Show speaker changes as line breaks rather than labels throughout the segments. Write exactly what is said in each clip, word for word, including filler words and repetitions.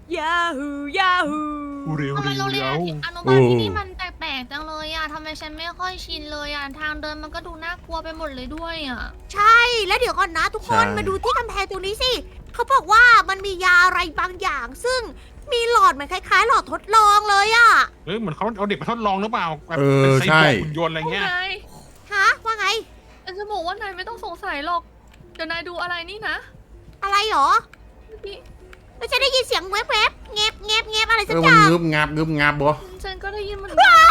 ยาฮูยาฮู
เร็ว
ทำไม
เร็ว
โรงเรียน
เร็ว
อนุบาลที่นี่มันแปลกๆจังเลยอะทำไมฉันไม่ค่อยชินเลยอะทางเดินมันก็ดูน่ากลัวไปหมดเลยด้วยอะ
ใช่แล้วเดี๋ยวก่อนนะทุกคนมาดูที่กำแพงตรงนี้สิเขาบอกว่ามันมียาอะไรบางอย่าง ซึ่งมีหลอดเหมือนคล้ายๆ หลอดทดลองเลยอะ
เฮ้ยเหมือนเขาเอาเด็กมาทดลองหรือเปล่าแบบ
เอ
เป็น
อ
ไซ
ใช่
บอร์กหุ่นยนต์อะไรเงี้ย
นาย
ฮะว่าไง
ฉันจะบอกว่านายไม่ต้องสงสัยหรอกเดี๋ยวนายดูอะไรนี่นะ
อะไรหรอ
เมื่อกี้
ไม่ใช่ได้ยินเสียงแวบๆเงียบเงียบเงียบอะไร
เอ
สัก
อ
อ
มัน
ย่าง
งึบงับงึบงับบ่
ฉันก็ได้ยินเหมัน
ว้าย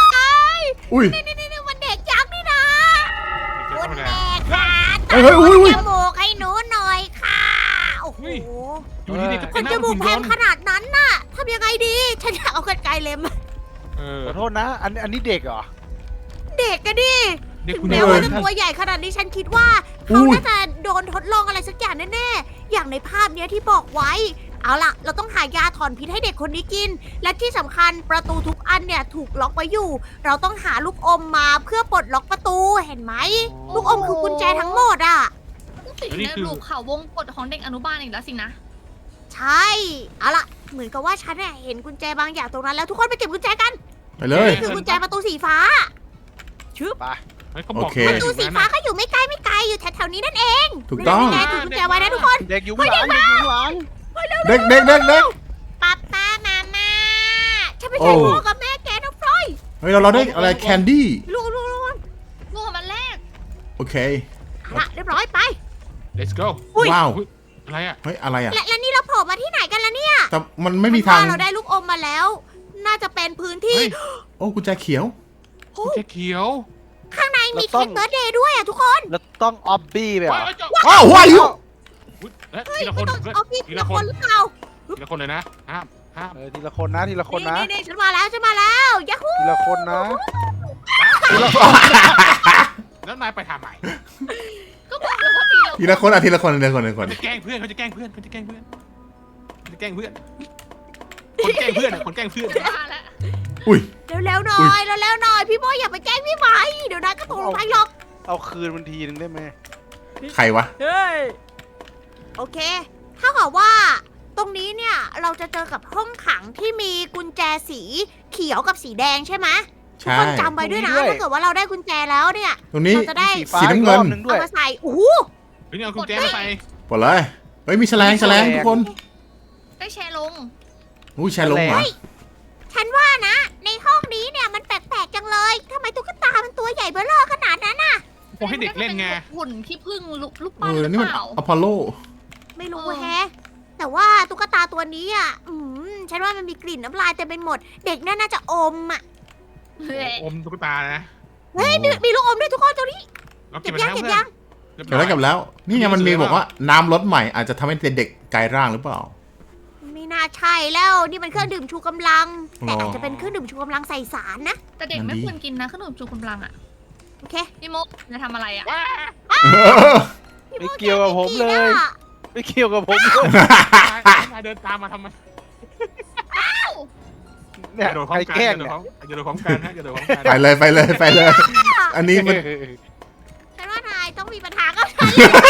อุ้ย
นี่นี่นี่มันเด็กยักษ์นี่นะ
เด็ก
คุณ
ธรรมดา
แม่ค่ะ
เฮ้ยเฮ้ยอุ้ยอุ้ย
จมูกให้หนูหน่อยค่ะโอ้โห
อยู่ดีๆก็
ค
เป็น
น
ห
จ
น้า
มูก
หุ่น
แพ
ย
ง
นต์
ขนาดนั้นน่ะทำยังไงดี ฉันอยากเอากรรไกรเล็ม
เออ
ขอโทษนะ อันอันนี้เด็กเหรอ
เด็กกันดิ
เด็ก
ถึง
หุ่น
แม้
ย
ว่าน
ต์
จะตัวใหญ่ขนาดนี้ฉันคิดว่าเขาน่าจะโดนทดลองอะไรสักอย่างแน่ๆ อย่างในภาพเนี้ยที่บอกไว้ เอาล่ะ เราต้องหายาถอนพิษให้เด็กคนนี้กิน และที่สำคัญประตูทุกอันเนี่ยถูกล็อกไว้อยู่ เราต้องหาลูกอมมาเพื่อปลดล็อกประตูเห็นไหม ลูกอมคือกุญแจทั้งหมดอ่ะ
ต้องติดอยู่ในรูปเขาวงกฏของเด็กอนุบาลอีกแล้วสินะ
ใช่ เอาล่ะ เหมือนกับว่าฉันเนี่ยเห็นกุญแจบางอย่างตรงนั้นแล้วทุกคนไปเก็บกุญแจกัน
ไปเลย
นี่คือกุญแจประตูสีฟ้า ชึบ
ไป
เฮ้ยเขาบอก
โอเค
ด้วย
ประตูสีฟ้าก็อยู่ไม่ไกลไม่ไกลอยู่แถวๆนี้นั่นเอง
ถูกต้อง
นี่ไงถือกุญแจไว้นะทุกคน
เด็กอยู่ข้างหลังเด็กอยู่ข้างหลัง
เด็กเด็กเด็กเด็ก
ป้าป้ามามาฉันไม่ใช่
โอ้
พ่อกับแม่แกนะฟลอย
เฮ้ยเราเราได้อะไรแคนดี้
ลูกลูกลูก
ลูกของมันแรก
โอเค
เอาละเรียบร้อยไป
let's go
อุ๊ย
ว้าว
อุ๊ยอะไรอ่ะ
เฮ้ยอะไรอ่ะ
และและนี่เราโผล่มาที่ไหนกันล่ะเนี่ย
แต่มันไม่มีทาง
ฉันว่เราได้ลูกอมมาแล้ว น่าจะเป็นพื้นที่
เฮ้ย
โอ้กุญแจเขียว
โอ้
เจ๊เขียว
ข้างในมีเค้กเบิร์ดเดย์ด้วยอ่ะทุกคน
แล้วต้องออบบี้ไปเหร
ว้า
อ
วเจ้า
อ้าวว้าย
อุ๊ยเอ๊ะ
เฮ้ย
ทีละค
ไม่
น
ต้อง
เฮ้ย
เอาพี่
ที
ที
ละ
ละ
ค
คน นหรือเปล่า
ทีละคนเลยนะห้ามห้าม
เออทีละคนนะทีละคนนะ
นี่นี่ฉันมาแล้วฉันมาแล้วยัฮู
ทีละคนนะ
แล้วนายไปทำไม
ก็บอกเลยว่าตีเรา
ทีละคนอ่ะทีละคนทีละคนทีละคน
จะแกล้งเพื่อนเขาจะแกล้งเพื่อนเขาจะแกล้งเพื่อนเขาจะแกล้งเพื่อนคนแกล้งเพื่อนอะคนแกล้งเพื่อน
มาแล้ว
อุ้ย
เร็วๆหน่อยเร็วๆหน่อยพี่โมอย่าไปแกล้งพี่ไหมเดี๋ยวนายก็ตกลงไปหรอก
เอาคืนมันทีนึงได้ไหม
ใครวะ
เฮ้ยโอเค ถ้ากับว่า ตรงนี้เนี่ยเราจะเจอกับห้องขังที่มีกุญแจสีเขียวกับสีแดงใช่ไหมทุก
ใช่
คนจำไว้ด้วยนะถ้าเกิดว่าเราได้กุญแจแล้วเนี่ย
ตรงนี้
เราจะได้
สีฟ้า
สีน้ำเงิน
อีกรอบนึงด้ว
เอา
ย
มาใส่โอ้โห
เฮ้ยนี่เอากุญแจมาใส่
ปลดเลยเฮ้ยมีแฉลงแฉลงทุกคน
ได้แชร์ลง
อุ้ยแฉลงเหรอ
ฉันว่านะ ในห้องนี้เนี่ยมันแปลกๆจังเลยทำไมตุ๊กตามันตัวใหญ่เบ้อเร่อขนาดนั้นน่ะ
พวกให้เด็กเล่นไง
หุ่นที่พึ่งลูกลูก
เอ
ปั้นห
อ
รือ
นี่มัน
เปล่า
อพอลโล
ไม่รู้
เออ
แฮะ แต่ว่าตุ๊กตาตัวนี้อ่ะอืมฉันว่ามันมีกลิ่นน้ำลายเต็มไปหมด เด็กน่าจะอมอ่ะ
เฮ้ย
อมตุ๊กตานะ
เฮ้ยมีมีลูกอมด้วยทุกคนตัวนี้
เรา
เก็
เก็บบ ไป
ยัง
แล้ว
เก็บ
เพื่อน
ยัง
เดี๋ยวแล้วกลับแล้ว นี่ไงมันมีบอกว่าน้ำลดใหม่อาจจะทำให้เด็กกลายร่างหรือเปล่า
ไม่น่าใช่แล้ว นี่มันเครื่องดื่มชูกำลัง แต่
อ๋ออ
อาจจะเป็นเครื่องดื่มชูกำลังใส่สารนะ
แต่เด็กไม่ควรกินนะขนมจูกำลังอ่ะ
โอเค
พี่โมจะทำอะไรอ่ะ
ว้า
พี่
ไม่เกี่ยวกับผมเลย ไม่เกี่ยวกับผมเลย
นายเดินตามมาทำไม
เนี่ย
อย่าโดนพร้อ
ใคร
มกัน
แกล้ง
อย่าโด
เนี่ย
นพร้อมอย่าโดนพร้อมกันฮะอย่าโดนพร้อมกัน
ไปเลยไปเลยไปเลย อันนี้มัน
ฉันว่านายต้องมีปัญหากับฉัน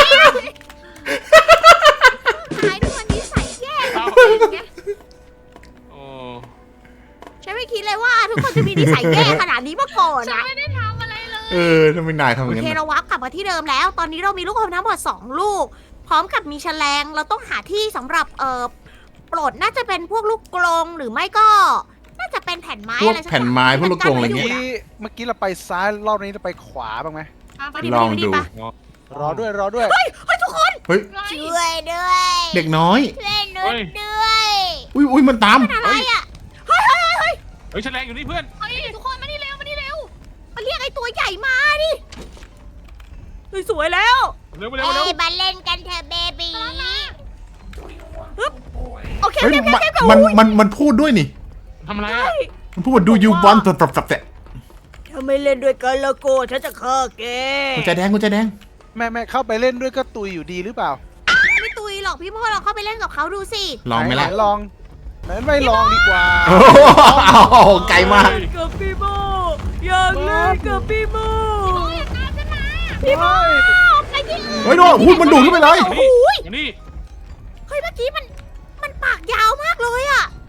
นายทุกคนนี้ใส่แย่
เอา
ไง
โอ้
ฉันไม่คิดเลยว่าทุกคนจะมีนิสัยแย่ขนาดนี้มาก่อน
ฉัน
นะ
ไม่ได้ทำอะไรเลย
เออทำไมนายทำอ
โอย่าง
นั้
เคน
น่ะ
เราวับกลับมาที่เดิมแล้ว ตอนนี้เรามีลูกอมทั้งหมดสองลูก พร้อมกับมีแฉลง เราต้องหาที่สำหรับเอ่อปลดน่าจะเป็นพวกลูกกลงหรือไม่ก็ น่าจะเป็นแผ่นไม้
พวก
อะไรสัก
แผ่นไม้พวกลูกกรงอะไร
เมื่อ
เงี้ย
กี้เมื่อกี้เราไปซ้ายรอบนี้เราไปขวาบ้างไหม
อ่ะไป
ไป
ดิ
ดิ
ลอง
ไปดิ
ดู
ไป
รอด้วยรอด้วย
เฮ้ยทุกคน
เฮ้ย
ไล่
ช่วยด้วย
เด็กน้อย
ช่วยนุชด้วย
อุ้ยอุ้ยมันตาม
อะไรอ่ะเฮ้ยเฮ้ยเฮ้ย
เฮ้ยแฉลงอยู่นี่เพื่อน
เฮ้ยทุกคนมานี่เร็วมานี่เร็ว
มาเรียกไอ้ตัวใหญ่มาดิเฮ้ยสวยแล้ว
เร็วเร็วเร็ว
เอ้ยมาเล่นกันเถอะเบบีฮึบโอเค
เฮ้ย
โอเค
มัน
โอเค
มันมันมันพูดด้วยนี่
ทำอะไรอ่ะ
มันพูดว่า do you want to ปรับปรับแต่
ถ้าไม่เล่นด้วยกันแล้วก็ฉันจะฆ่าแก
กุญแจแดงกุญแจแดง
แม่แม่เข้าไปเล่นด้วยก็ตุยอยู่ดีหรือเปล่า
ไม่ตุยหรอกพี่โมเราเข้าไปเล่นกับเขาดูสิ
ลองไหมล่ะ
นลองไหนไม่ลองดีกว่า
โอ้โหไกลมาก
กับพี่โมอยากเล่นกับพี่โม
พี่บอย
ไปที่อื่น
เฮ้ยโน่นพูดมันดูดขึ้นไปเลย
โอ้โห
มานี่
เฮ้ยเมื่อกี้มันมันปากยาวมากเลยอะ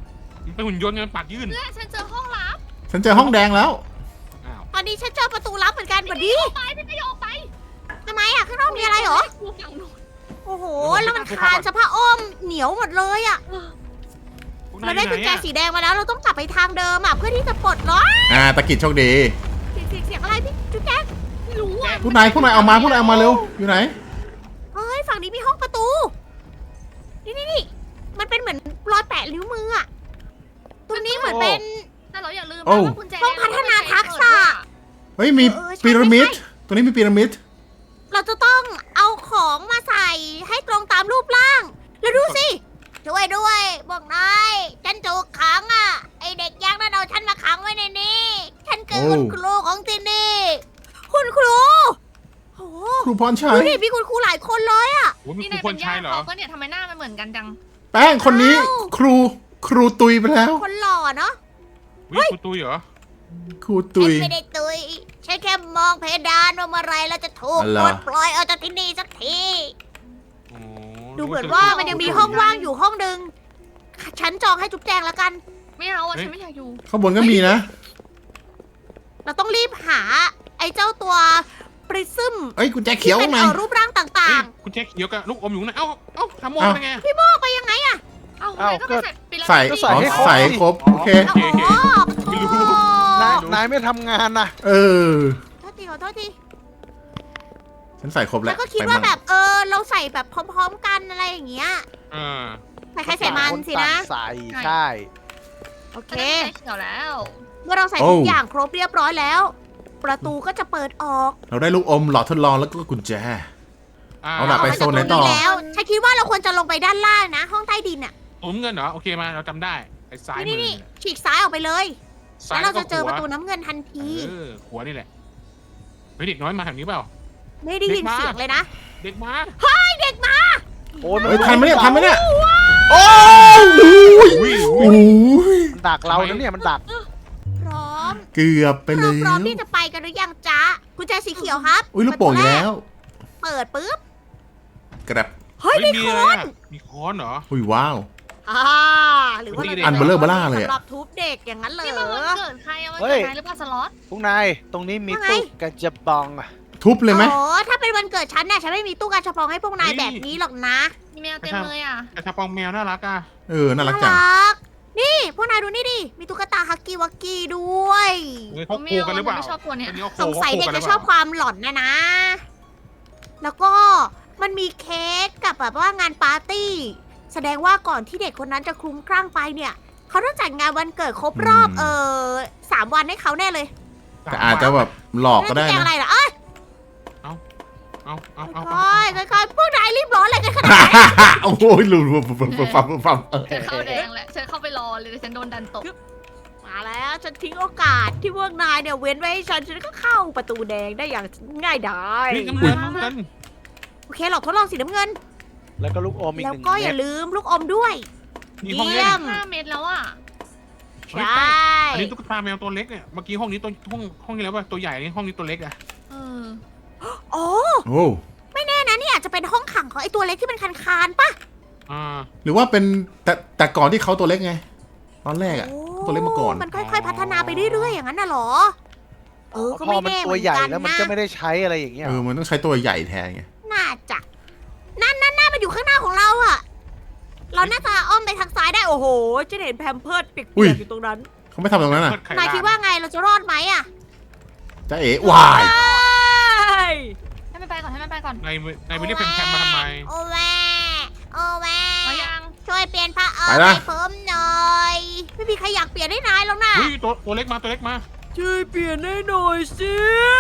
เป็นหุ่นยนต์ไงปากยื่น
เพื่อนฉันเจอห้องลับ
ฉันเจอห้องแดงแล้ว
อ้าว
ตอนนี้ฉันเจอประตูลับเหมือนกันบัดดี
ไปพี่ไม่ยอมไป
ทำไมอะข้างนอกมีอะไรเหรอ
กูฝั่งนู้น
โอ้โห แล้วมันคานสะพะอ้อมเหนียวหมดเลยอะ
พวก
เรา
นาย
ได้
อยู่
กุญ
ไห
แจ
นอะ
สีแดงมาแล้ว เราต้องกลับไปทางเดิมอะเพื่อที่จะปลดล็อก
อ่าตะกิดโชคดี
เสียงเสียงเสียงอะไรพี่จุ๊กแจ๊ก
ไม่รู้อ่ะ
ผู้นายผู้นายเอามาผู้นายเอามาเร็ว อยู่ไหน
เฮ้ย ฝั่งนี้มีห้องประตู นี่นี่นี่มันเป็นเหมือนรอยแปะนิ้วมืออะตรงนี้เหมือนเป็น
แต่เราอย่าลืม
โอ้
นะว่ากุญแจ
ห้องพัฒนาทักษะ
เฮ้ยมีพีระมิด ตรงนี้มีพีระมิด
เราจะต้องเอาของมาใส่ให้ตรงตามรูปร่าง แล้วดูสิ ช่วยด้วยบอกนายฉันถูกขังอ่ะ ไอเด็กยักษ์นั่นเอาฉันมาขังไว้ในนี้ ฉันคือคุณครูของที่นี่ คุณครูโอ้
ครูพรชั
ดู
ย
ดิมีคุณครูหลายคนเลยอ่ะ
โอ้ยมี
นี่
ครู
นาย
ค
เป็น นญา
ชาย
ติ
เหรอ
เขาก็เนี่ยทำไมหน้ามันเหมือนกันจัง
แป้งคนนี้
อ้าว
ครูครูตุยไปแล้ว
คนหล่อเนาะ
วิครูตุยเหรอ
ครูตุย
ฉันไม่ได้ตุยฉันแค่มองเพดานว่าเมื่อไรเราจะถูก
อะไร
ปลดปล่อยออกจากที่นี่สักที
โอ้
ดูเหมือนว่ามันยังมีห้องว่างอยู่ห้องหนึ่งฉันจองให้จุ๊บแจงแล้วกัน
ไม่เอาอ่ะฉันไม่อยากอยู่
ข้างบนก็มีนะ
เราต้องรีบหาไอ้เจ้าตัวปริซึม
เอ้ยกุญแจ
ที่
เขียว
เป็น
ไง
เอ่อรูปร่างต่า
เอ้ย
ง
คุณแจ็คเขียวกับลูกอมอยู่ไหนเอ้าเอ้าทำโม
เอ้า
ได้ไง
ๆ พี่โมกไปยังไงอะ
เอ้า
เอ้า
ทำไมก็
ก็
ไปใส่ปีละ
ใส่
ก็ใส่
อ๋อ
ให้ครบ
ใส่ครบ
สิ
โอเค
อ๋อ
ไม่รู้
นายนายไม่ทำงานนะ
เออ
โทษทีขอโทษที
ฉันใส่ครบแล้
แล้ว วก็คิดว่าแบบเออเราใส่แบบพร้อมๆกันอะไรอย่างเงี้ย
เออ
ใส่ใครใส่มันสินะ
ใส่ใช่
โอเค
ฉันได้กุญแจเขียวแล้ว
เมื่อเราใส่ทุกอย่างครบเรียบร้อยแล้ว ประตูก็จะเปิดออก
เราได้ลูกอมหลอดทดลองแล้วก็กุญแจ เอาล่ะ
ก
ไป
มา
โซ
จาก
นไหน
ตรง
ต่อ
แล้วฉันคิดว่าเราควรจะลงไปด้านล่างนะ ห้องใต้ดินอะ
อมเงินเหรอโอเคมาเราจำได้ไอ้ซ้ายมื
นี่
อ
นี่
เนี่ย
ฉีกซ้ายออกไปเลย
ซ้า
แล้
ยว
เราจะเจอประตู
ขวา
น้ำเงินทันที
เออขวานี่แหละเฮ้ยเด็กน้อยมาแถวนี้เปล่า
ไม่ได้ยิน
เด็กมา
เสียงเลยนะ
เด็กมา
เด็กมา
โอ้ยมัน
เฮ้ยทันไหมเนี่ยทันไหมเนี่ย โอ้ย
วิ่ง
โอ้ย
มันดักเรานะเนี่ยมันดัก
พร้อม
เกือบไป
เรา
แล้
พร้อม
ว
ที่จะไปกันหรือยังจ๊ะกุญแจสีเขียวครับ
อุ้ยลูกโป่งอีกแล้ว
เปิดปุ๊บ
กระดับ
เฮ้ย
เฮ้ย
มี
มี
ค
อะไร
น
อะมีค้อนเหรอ
อุ้ยว้าว
อ่าหรือว่า
อั
มัน
เบลอเบล่าเลยอะ
สำหรับทุบเด็กอย่างนั้นเหรอ
นี่มันวันเกิดใครอะวัน
เฮ้
เกิ
ย
ดนายหรือเปล่าสล็อต
พวกนาย ตรงนี้มี
ว่าไง
ตู้กระจะบองอะ
ทุบเลยไหม
โอ้ถ้าเป็นวันเกิดฉันน่ะฉันไม่มีตู้กาชาปองให้พวกนาย
เฮ้ย
แบบนี้หรอกนะ
มีแมวเต็มเลยอ่ะ
กระชับปองแมวน่ารักอ่ะ
เออ น่ารักจัง
รักนี่พวกนายดูนี่ดิ มีตุ๊กตาฮักกี้วักกี้ด้วย
เฮ้ยเขาคู่กันหรือเปล่า
ไม่ชอบตัวเนี้ย
อันนี้เขา
สงสัยเด็ก
คู่
จะ
นห
ชอบความหลอนนะนะ แล้วก็มันมีเค้กกับแบบว่างานปาร์ตี้ แสดงว่าก่อนที่เด็กคนนั้นจะคลุ้มคลั่งไปเนี่ย เขาต้องจัดงานวันเกิดครบรอบ
อืม
เออสามวันให้เขาแน่เลย
แต่อาจจะแบบหลอกก็ได้
แกง
นะ
อะไรล่ะเอ้ย
เอาเอาเอาเอา
ค่อยๆค่อยๆพวกนายรีบร้อนอะไรกันขนาดนั้น
โอ้โหหลุดฟับฟับฟับฟับเออ
ฉันเข้าแดงแหละฉันเข้าไปรอเลยแต่ฉันโดนดันตก
มาแล้วฉันทิ้งโอกาสที่พวกนายเนี่ยเว้นไว้ให้ฉันฉันก็เข้าประตูแดงได้อย่างง่ายดาย
เฮ้ยน้ำเงินน้ำเงิน
โอเคหลอกทดลองสีน้ำเงิน
แล้วก็ลูกอมอีก
แล้
ห
ว
นึ่ง
ก็อ
เม็
ย่า
ด
ลืมลูกอมด้วย
มีห้อง
เยี่
เล่
ย
น
ม
ห้าเม็ดแล้วอ่ะ
ใช่
อันนี้ตุ๊กตาแมวตัวเล็กเนี่ยเมื่อกี้ห้องนี้ตัวห้องห้องนี้แล้วป่ะตัวใหญ่นี่ห้องนี้ตัวเล็กอะ
เออ
โอ้
โอ้
ไม่แน่นะนี่อาจจะเป็นห้องขังของไอตัวเล็กที่เป็นคันคานๆปะ
อ่า
หรือว่าเป็นแต่แต่ก่อนที่เขาตัวเล็กไง ตอนแรกอะ
โอ้
ตัวเล็กมาก่อน
มันค่อยๆพัฒนาไปเรื่อยๆอย่างนั้นน่ะเหรอ เออ ก็
พอ
ไม่
มัน
แน่เห
ตั
มื
ว
อน
ใหญ่
กัน
แล้วมัน
นะ
ก็ไม่ได้ใช้อะไรอย่างเงี้ย
เออ มันต้องใช้ตัวใหญ่แทนไง
น่าจะนั่นนั่นนั่นมันอยู่ข้างหน้าของเราอะเราน่าจะอ้อมไปทางซ้ายได้โอ้โหจะเห็นแพมเพิร์ดเปีย
อุ้ย
กๆอยู่ตรงนั้น
เขาไม่ทำตรงนั้นอ่ะ
เปิไข่
นายคิดว่าไงเราจะรอดไหมอะ
จะเอ๋วาย
ให้มันไปก่อนให้มันไปก่อน
ในในไปเรียกแพมๆมาทำไม
โอแวโอแว
มายัง
ช่วยเปลี่ยนผ้าอ้อม
ไปนะ
ให้ผมหน่อย ไม่มีใครอยากเปลี่ยนให้นายหรอกนะ
เฮ้ยตัวตัวเล็กมาตัวเล็กมา
ช่วยเปลี่ยนให้หน่อยสิ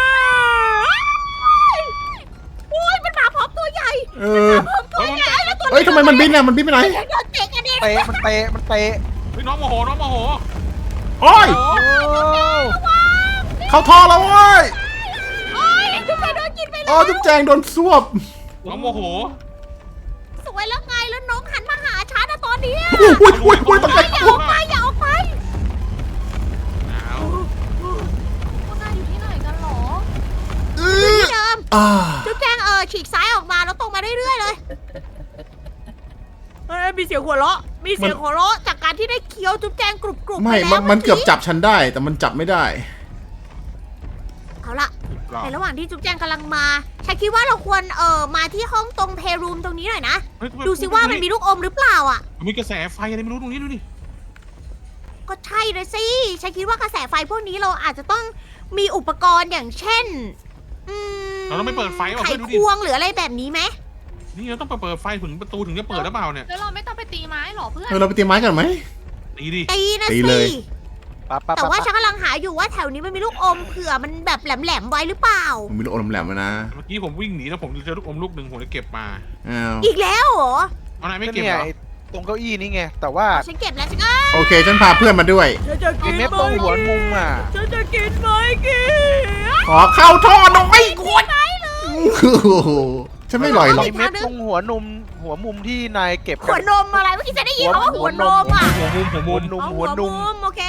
โอ้ยมันมาพร้อมตัวใหญ่
เออ
พร้อมตัวใหญ่แล้วตัว
เฮ้ยทำไมมันบินอ่ะ มันบินไปไหน
เล็กโดนเตะกันเอง
เตะมันเตะมันเตะ
เฮ้ยน้องโมโหน้องโมโห
โอ้ย
โอ้
โอ้
เข้าท่อแล้วเว้ย
โอ้ยทุกคนโดนกินไป
อ๋
แล้
อ
ว
จุ๊บแจงโดนซวบ
น้องโมโห
สวยแล้วไงแล้วน้องหันมาหาฉันนะตอนเนี้ย
อุ้ยอุ้ยอุ้ยตกใจ
อย่าออกไปอย่าออกไป
อ้าว
พวกนายอยู่ที่ไหนกันหรอ
เอ
ที่
อ
เดิม
อ่า
จุ๊บแจงเออฉีกซ้ายออกมาแล้วตรงมาเรื่อยๆเลยเฮ้ยมีเสียงหัวเราะมีเสียงหัวเราะจากการที่ได้เคี้ยวคี้ยวจุ๊บแจงกรุบกรุบ
ไม่
ไปแล้ว
มันมันเกือบ
กี้
จับฉันได้แต่มันจับไม่ได้
เอาละ
กรอบ
ในระหว่างที่จุ๊บแจงกำลังมาฉันคิดว่าเราควรเอ่อมาที่ห้องตรงเพรูมตรงนี้หน่อยนะ
เฮ้ย
ดูสิว่ามันมีลูกอมหรือเปล่าอ่ะ
มีกระแสไฟอะไรไม่รู้ตรงนี้ดูดิ
ก็ใช่เลยสิ ฉันคิดว่ากระแสไฟพวกนี้เราอาจจะต้องมีอุปกรณ์อย่างเช่น อืม
เราต้องไม่เปิดไฟว่ะ
ไข
เพื่อนดู
ค
ดิ
วงหรืออะไรแบบนี้ไหม
นี่เราต้องไปเปิดไฟถึงประตูถึงจะเปิดหรือเปล่าเนี่ย
แล้วเราไม่ต้องไปตีไม้หรอเพื่อน
เออเราไปตีไม้กันไหม
ตีดิ
ตีนะ
ตี
สิ
เลย
ปั๊บปั๊บ
แต่
ปั๊บ
ว่าฉั
ปั๊บ
นกำลังหาอยู่ว่าแถวนี้มันมีลูกอมเผื่อมันแบบแหลมๆไว้หรือเปล่า
ผมมีลูกอมแหลมๆมานะ
เมื่อกี้ผมวิ่งหนีแล้วผมเจอลูกอมลูกหนึ่งผมเลยเก็บมา
อ้าว
อีกแล้วเหรอ
เอาไหนไม่
ก็
เก็บ
เนี่ย
เหรอ
ไอ้ตรงเก้าอี้นี่ไง แต่ว่า
ฉันเก็บแล้วฉันก็
โอเคฉันพาเพื่อนมาด้วย
ฉันจะ
ไอ้
กิน
เม็ดตรงหัวมุมอ่ะ
ฉันจะกินไหมกิน
ขอเข้าท่อหน่อยควรฉันไม่ลอยหรอก
ไอ้เม็ดตรงหัวนุมหัวมุมที่นายเก็บ
หัวนมอะไรเมื่อกี้ฉันได้ยินคำว่าหัวนมอ่ะ
หัวมุมหัว
หั
มุ
ว
ม
นุม
เอา
หัวนุม
โอเค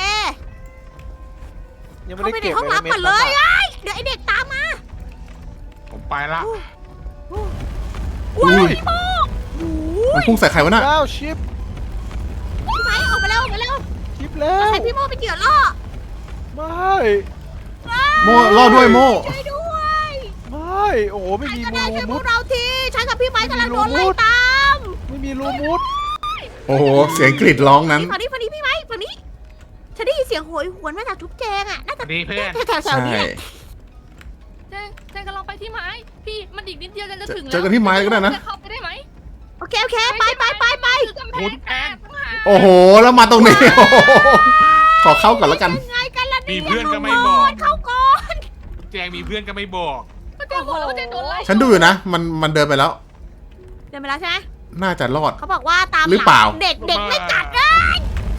ยังไม่
เข้า
ได้
ไปใน
เก็บ
ห้องลับ
ม็ด
ก่อนเลย
อะ
ไอ้ยเดี๋ยวไอเด็กตามมา
ผมไปละ
ว้า
อุ้
วย พี่โมโอ้
มัน
ย
พุ่งใส่ใครวะน่ะ
ว้าวชิป
พี่ไม้ออกมาแล้วออกมาแล้ว
ชิปแล้ว
ใส่พี่โมไปเกี่ยวล่อ
ไม่
โมล่อด้วยโม
ช่วยด้วย
ไม่โอ้โหไม่
ใคร
มี
ก็
รู
ได้ช่วยพ
มุ
ว
ด
กเราทีฉันกับพี่ไม้กำลังโดนไล่ตาม
ไม่มีรูมุด
โอ้โหเสียงกรีดร้องนั้น
ฝั่งนี้ฝั่งนี้พี่ไม้ฝั่งนี้ฉันได้ยินเสียงโหยหวนมาจากทุกแจงอ่ะน่าจะ
ดีเพื่อน
แถวๆ
ใช่
นี้แหละ
เจ๊เจ๊กำลังไปที่ไม้ พี่มันอีกนิดเดียวจะถึงแล้ว
เจอกันที่ไม้ก็ได้นะ
จะเข้าไปได้ไหม
โอเคโอเคไปไปไปไป
คือกำแพงแตกต่างหาก
โอ้โหแล้วมาตรงนี้ โอ้โหขอเข้าก่อนแล้วกัน
ยังไงกันล่ะ
มี
เนี่ย
เพื่อนก็ไม่บอก
เข้าก่อน
แจงมีเพื่อนก็ไม่บอก
ก็เจ๊บอกแล้วว่าเจ๊โดนไล่
ฉันดูอยู่นะ มันมันเดินไปแล้ว
เดินไปแล้วใช่ไหม
น่าจะรอด
เขาบอกว่าตาม
หรือเปล่า
เด็กเด็กไม่กัดเลย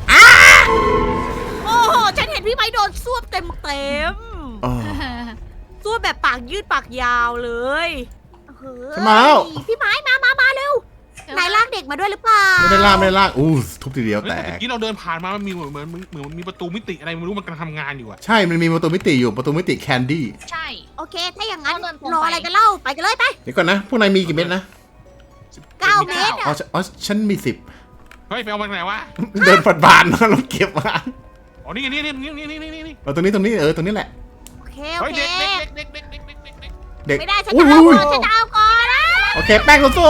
โอ้โหฉันเห็นพี่ไม้โดนซวบเต็มเต็ม
เออ
ๆซวบแบบปากยืดปากยาวเลยเฮ้ย
ฉันมาแล้ว
พี่ไม้มามามาเร็ว นายลากเด็กมาด้วยหรือเปล่า
ไม่ได้ล่ากไม่ได้ล่ากอู้ทุบทีเดียว
เฮ้ย
แต
แต่เมื่อก กี้เราเดินผ่านมามันมีเหมือนเหมือนเหมือนมีประตูมิติอะไรไม่รู้มันกำลังทำงานอยู่อะ
ใช่ มันมีประตูมิติอยู่ ประตูมิติแคนดี้
ใช่
โอเค ถ้าอย่างนั้น
เอาเดินตรงไป
รออะไรกันเล่าไปกันเลยไป
เดี๋ยวก่อนนะ พวกนายมีกี่เม็ดนะ
เก้าเมตร
อ๋อ
อะ
ฉันอ๋อฉันมีสิบ
เฮ้ยไปเอามาจากไหนวะ
เดินฝัดบานมาแล้วเก็บมา
อ๋อนี่ไงนี่นี่นี่นี่นี่นี่นี่
เอาตรงนี้ตรงนี้เออตรงนี้แหละ
โอเคโอ
เฮ้ย
เค
เด็กเด็กเด็กเด็กเด็กเด็กเด็กเด็ก
เด็ก
ไม่ได้ฉัน
อุ้
จะ
ย
เอา
อุ้ย
ก่อนฉันจะเอาก่อนนะ
โอเค แป้งสู้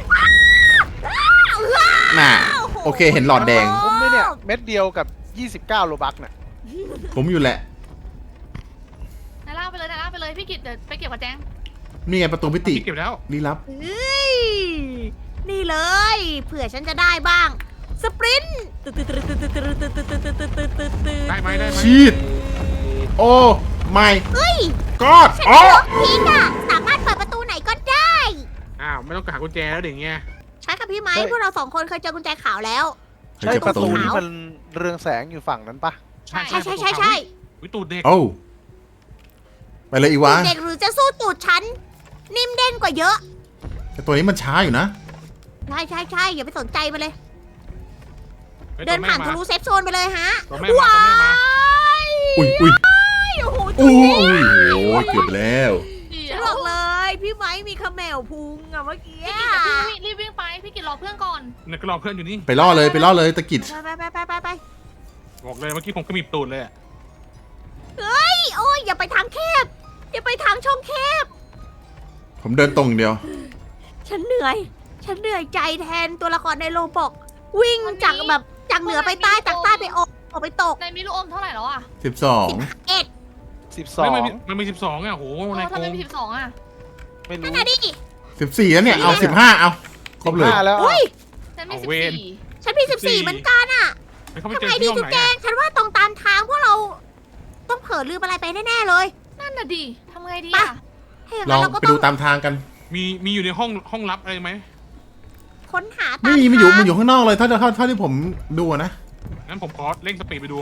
ๆน่ะ โอเค เห็นหลอดแดง
ผมไม่เนี่ยเม็ดเดียวกับยี่สิบเก้าโลบักน่ะ
ผมอยู่แหละ
นายลากไปเลยนายลากไปเลยพี่กิตเดี๋ยวไปเก็บกับแจง
นี่ไงประตูมิติ
เก็บแล้ว
ลี้ลับ
เฮ้ยนี่เลย เผื่อฉันจะได้บ้าง สปรินต์ตึ๊ดตึ๊ดตึ๊ดตึ๊ดตึ๊ดตึ๊ดตึ๊ดตึ๊ดตึ๊ดตึ๊ดตึ๊ดตึ๊ดตึ๊ด
ได้ไหมได้ไหม
ชีด โอ้ไม่
เฮ้ย
กอด
ฉัน
อ๋อ
ล็อกพีกอะสามารถเปิดประตูไหนก็ได้
อ้าวไม่ต้องหากุญแจแล้วเด็กเงี้ย
ใช้กับพี่ไม้พวกเราสองคนเคยเจอกุญแจขาวแล้ว
ใช่ประตู
ขาว
ที่มันเรืองแสงอยู่ฝั่งนั้นปะ
ใช่ใช่ใช่ใช่
วิตูดเด็ก
โอ้ไปเลยอีวะ
เด็กหรือจะสู้ตูดฉัน นิ่มเด้งกว่าเยอะ
แต่ตัวนี้มันช้าอยู่นะ
ใช่ใช่ใช่อย่าไปสนใจมันเลย
ฮ้ย
เดิน
ตัวแม่
ผ่าน
มา
ทะลุเซฟโซนไปเลยฮะ
ตัวแม่มาตัวแม่มา
ย
อุ้ยอุ้ย
โอ้โห
อุ้ยอุ้ยโอ้ยเกือบแล้ว
ฉันบอกเลย พี่ไม้มีเขมวพุงอะเมื่อกี้
พี่กิตเดี๋ยวพี่รีบวิ่งไปพี่กิตรอเพื่อนก่อน
เนี่ยก็รอเพื่อนอยู่นี่
ไปล่อเลยไปล่อเลยตะกิด
ไปไปไปไปไป
บอกเลยเมื่อกี้ผมก็มีตูดเลยอะ
เฮ้ยโอ้ยอย่าไปทางแคบ อย่าไปทางช่องแคบ
ผมเดินตรงอย่างเดียว
ฉันเหนื่อย ฉันเหนื่อยใจแทนตัวละครในโลบอก วิ่งจากแบบจากเหนือไปใต้จากใต้ไปออกออกไปตก
นายมีลูกอมเท่าไหร่แล้วอ่ะ
สิบสอง
เอ็ด
สิบสอ
เฮ้ย
ง
มันมีมันมีสิบสองอ่ะโห
เอ
ใน
อ
โก
ทำไม
ง
มีสิบสองอ่ะ
ไม่
นั่
รู้
นน่ะดิ
สิบสี่แล้วเนี่ย เอาสิบห้าเอา ครบเลย
สิห้าแล้ว
อุ้ย
ฉันมีสิบสี่
ฉันมีสิบสี่เหมือนกันอะ
แล้วเขาไป
ทำ
เจอ
ไงดี
ที่ห้อง
จุ๊บ
ไหน
แจ
อะ
งฉันว่าตรงตามทางพวกเรา ต้องเผลอลืมอะไรไปแน่ๆเลย
นั่นน่ะดิทำไงดี
ไป
อ่ะ
ถ้าอย่าง
ล
นั้
อน ง
เราก็
ไป
ต้
ดู
อง
ตามทางกัน
มีมีอยู่ในห้องห้องลับอะไรไหม
ค้นหาตาม
ไม่มีมันอยู่
ทาง
มันอยู่ข้างนอกเลยเท่าเท่าเท่าที่ผมดูอะนะ
งั้นผมขอเร่งสปีดไปดู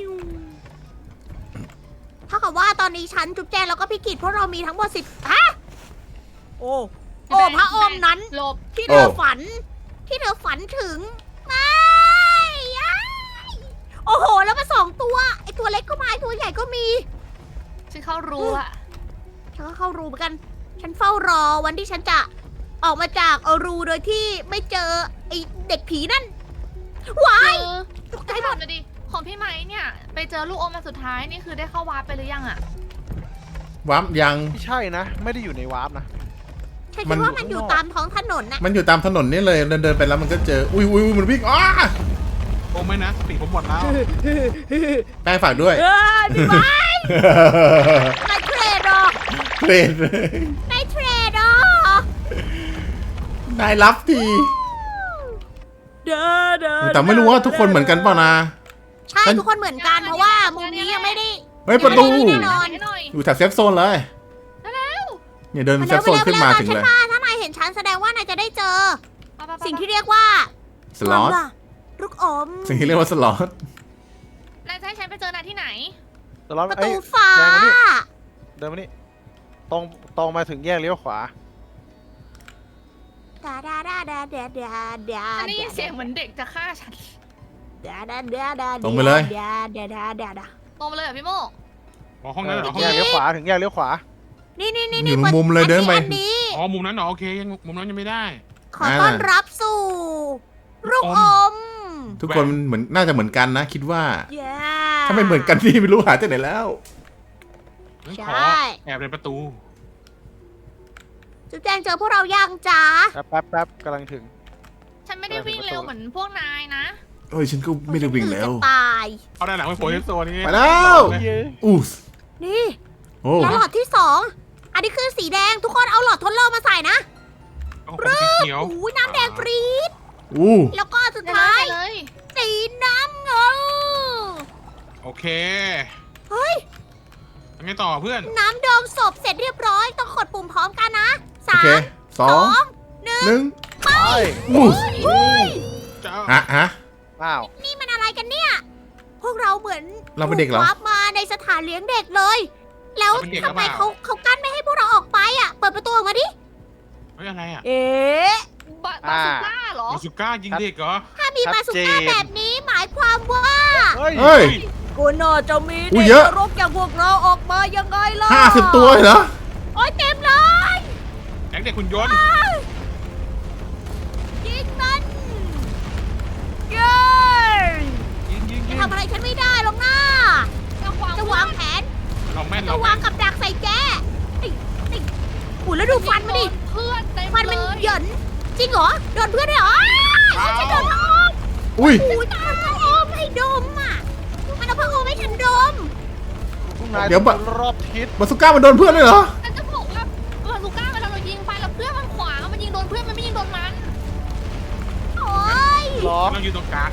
เท่ากับว่าตอนนี้ฉันจุ๊บแจงแล้วก็พี่กิจพวกเรามีทั้งหมดสิบฮะโอ้โอ้พระอมนั้น
หลบ
ที่เธอฝัน ที่เธอฝันถึงไม่อ้ายโอ้โห แล้วมาสองตัว ไอตัวเล็กก็มาไอตัวใหญ่ก็มี
ฉันเข้ารู้อ่ะ
ฉันก็เข้ารูเหมือนกัน ฉันเฝ้ารอวันที่ฉันจะออกมาจากเอารูโดยที่ไม่เจอไอเด็กผีนั่นว้าย
เจอ
ตกใจ
ให้
หม
ถา
ด
มเลยดิของพี่ไม้เนี่ย ไปเจอลูกอมมาสุดท้ายนี่คือได้เข้าวาร์ปไปหรือยังอะ
วับยัง
ไม่ใช่นะ ไม่ได้อยู่ในวาร์ปนะ
ฉัน
มั
คิด
น
ว่ามันอยู่ตามท้องถนนนะ
มันอยู่ตามถนนนี่เลยเดินเดินไปแล้วมันก็เจออุ้ยอุ้ยอุ้ยมันวิ่งอ้า
โอ้ไม่นะสติผมหมดแล้ว
แป้งฝากด้วย
เอ้ยพี่ไม้นายเทรดเหรอ
เทรด
นายเทรดเหรอน
ายรับที
เด้อเด้อ
แต่ไม่รู้ว่าทุกคนเหมือนกันเปล่านะ
ใช่ทุกคนเหมือนกันเพราะว่ามุมนี้ยังไม่ได้
เฮ้ยประตู
แน่นอน
ให้หน่อย
อยู่แถบเซฟโซนเลย
เร็ว
เนี่ยเดินเซฟโซนขึ้นมาถึงเลย
ฉันมาถ้านายเห็นฉันแสดงว่านายจะได้เจอ
ๆไปๆๆ
สิ่งที่เรียกว่า
สล็อต
ลูกอม
สิ่งที่เรียกว่าสล็อต
นายจะให้ฉันไปเจอนายที่ไหน
แต่เรา
ประ
เอ้
ตู
ย
ฟ้า
แยงมานี่ เดินมานี่ตรงตรงมาถึงแยกเลี้ยวขวา
ดาดาดาดาดาดาดา
อันนี้เสียงเหมือนเด็กจะฆ่าฉัน
ดาดาดาดา
ตรงไปเลย
ดาดาดาดาดา
ตรงไปเลยเหรอพี่โม
อ๋อห้องนั้นเหรอห้อง
แย
นั้
ก
น
เลี้ยวขวาถึงแยกเลี้ยวขวา
นี่นี่นี่
อยู่มุมเลยเดินไป
อันนี้
อ๋อมุมนั้นเหรอโอเคยังมุมนั้นยังไม่ได้
ขอต้อนรับสู่ลูกอม
ทุกคนเหมือนน่าจะเหมือนกันนะ คิดว่า
เย้
ถ้าไม่เหมือนกันนี่ไม่รู้หาจากไหนแล้ว
งั้น
ใช
ขอ่ แอบในประตู
จุ๊บแจงเจอพวกเรายังจ้า
แป๊บแป๊บแป๊บกำลังถึง
ฉันไม่ได้วิ่งเร็วเหมือนพวกนายนะ
เอ้ยฉันก็ไม่ได้วิ่งแล้ว
จะตาย
เอาด้านหลังไปโผล่ที่โซนนี้
ไปแล้ว
เย้
อู้ส
นี่
โอ้
แล้วหลอดที่สองอันนี้คือสีแดงทุกคนเอาหลอดทดลองมาใส่นะ
เอาผมสีเขียว
โอ้ยน้ำแดงปรี๊ด
อู้
แล้วก็สุด
ไป
ท้าย
เลย
สีน้ำเงิน
โอเค
เฮ้ย
ยังไงต่อเพื่อน
น้ำดองศพเสร็จเรียบร้อย ต้องกดปุ่มพร้อมกันนะ
โอ
สา
เค
ม
สอ
สอง งหนึ่ง
หนึ่ง
ไป
อู้
เฮ้ย
จะ
ฮะฮะ
อ้าว
นี่มันอะไรกันเนี่ย พวกเราเหมือน
เราเป็นเด็กเหรอ
ถูวาร์ปมาในสถานเลี้ยงเด็กเลย แล้วทำไมเขาเขากั้นไม่ให้พวกเราออกไปอ่ะ เปิดประตูออกมาดิ
เฮ้ยอะไรอ่ะ
เอ๊ะ
บาบาสุก้าเหรอ
มาสุก้ายิงเด็กเหรอ
ถ้ามีมาสุก้าแบบนี้หมายความว่า
เฮ้ย
เฮ้ย
กูน่าจะมี
อุ๊
เด็
ย
ก
เยอะ
นรกอย่างพวกเราออกมายังไงล่ะ
ห้าสิบตัวเหรอ
โอ้ยเต็มเลย
แก๊งเด็กคุณยนต์
ยิงมันเย้
ยิงยิงยิ
จะ
ง
ทำอะไรฉันไม่ได้หรอกนะ
จะวาง
จะวางแผน
เราแม่น
จะ
เรา
วา
แม่
ง
น
กับดักใส่แกไอ้ไอ้อุ้ยแล้วดูฟันมันดิ
เพื่อนเต็ม
ฟันมัน
เลย
เหยินจริงเหรอ โดนเพื่อนด้วยเหรออ้าวฉันโดนพระอม
อุ้ย
อุ้ยมันพระอมให้ดมอ่ะ มันเอาพระอมให้ฉันดม
พวกนาย
เดี๋ยวบะ
รอบทิศ
บาสุก้ามันโดนเพื่อนเลยเหรอ
ฉันจะบอกว่าบาสุก้าเวลาเรายิงไปแล้วเพื่อนมันขวางมันยิงโดนเพื่อนมันไม่ยิงโดนมัน
โอ้ย
หรอ
เราอยู่ตรงกลาง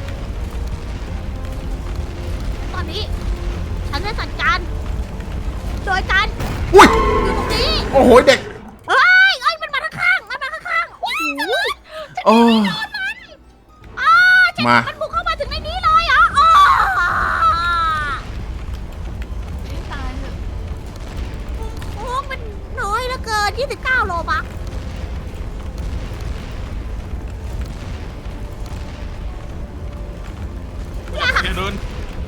ตอนนี้ ฉันจะจัดการ โดยการ
อุ้ย
อยู่ตรงนี้
โอ้โหเด็ก
เฮ้ยเอ้ย มันมาข้างๆมันมาข้างๆโอ้ย
โอ้
อ้าฉัน
มา
มันบุกเข้ามาถึงในนี้เลยเหรออ้า
ตายเถอะ
โอ้มันน้อยเหลือเกินยี่สิบเก้าโลบักเนี่ย
อย่าเดิน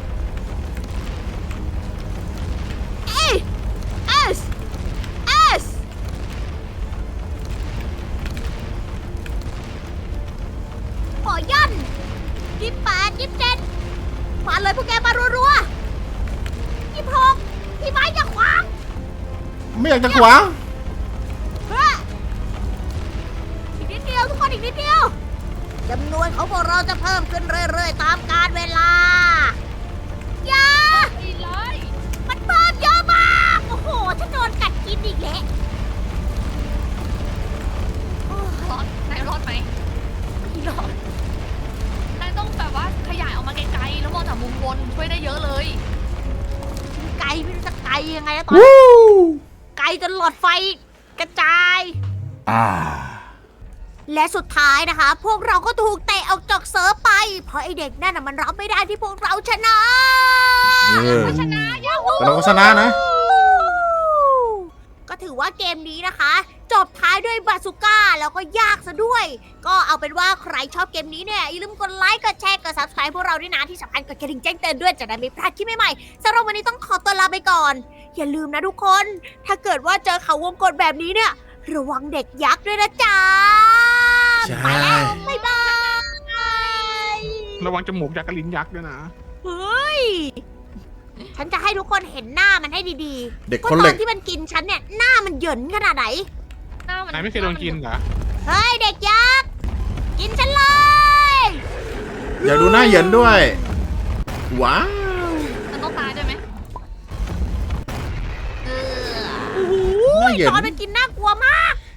เอเอสเอสขอยันยี่สิบแปดยี่สิบเจ็ดมาเลยพวกแกมารัวๆยี่สิบหกพี่ไม้อย่าขวาง
ไม่อยากจะขวาง
เฮ้ยอีกนิดเดียวทุกคนอีกนิดเดียวจำนวนของพวกเราจะเพิ่มขึ้นเรื่อยๆตามกาลเวลาอย่า
ไอ้ร้อย
มันเพิ่มเยอะมาก โอ้โห ฉันโดนกัดกินอีกแล้วโอ้ย
รอดนายรอดไหม
ไม่รอด
นายต้องแบบว่าขยายออกมาไกลๆแล้วมองจากมุมบนช่วยได้เยอะเลย
ไกลไม่รู้จะไกลยังไงแล้วตอนนี้
วู้
ไกลจนหลอดไฟกระจาย
อ่า
และสุดท้ายนะคะ พวกเราก็ถูกเตะออกจากเซิร์ฟไป เพราะไอเด็กนั่นน่ะมันรับไม่ได้ที่พวกเราชนะ
เออ
ชนะยาฮู
แต่เราก็ชนะนะ
ก็ถือว่าเกมนี้นะคะ จบท้ายด้วยบาซูก้าแล้วก็ยากซะด้วย ก็เอาเป็นว่าใครชอบเกมนี้เนี่ยอย่าลืมกดไลค์กดแชร์กด ซับสไครบ์ พวกเราด้วยนะที่สำคัญกดกระดิ่งแจ้งเตือนด้วยจะได้ไม่พลาดคลิปใหม่ๆสำหรับวันนี้ต้องขอตัวลาไปก่อน อย่าลืมนะทุกคน ถ้าเกิดว่าเจอเขาวงกตแบบนี้เนี่ย ระวังเด็กยักษ์ด้วยนะจ๊ะ
ใช่
ไปแล้วบ๊ายบาย
ระวังจมูกยักษ์กับลิ้นยักษ์ด้วยนะ
เฮ้ย ฉันจะให้ทุกคนเห็นหน้ามันให้ดีๆ
เด็ก
ว่า
คน
ต
เห
อ
ล็ก
นที่มันกินฉันเนี่ยหน้ามันเหยินขนาดไหน
หน้ามัน
นายไม่เคยโดนกินเหรอ
เฮ้ยเด็กยักษ์ กินฉันเลย
อยากดูหน้าเหยินด้วย ว้าว
มันต้องตายด้วยไหม
โอ้โห
หน้าเหยิน
ตอนมันกิน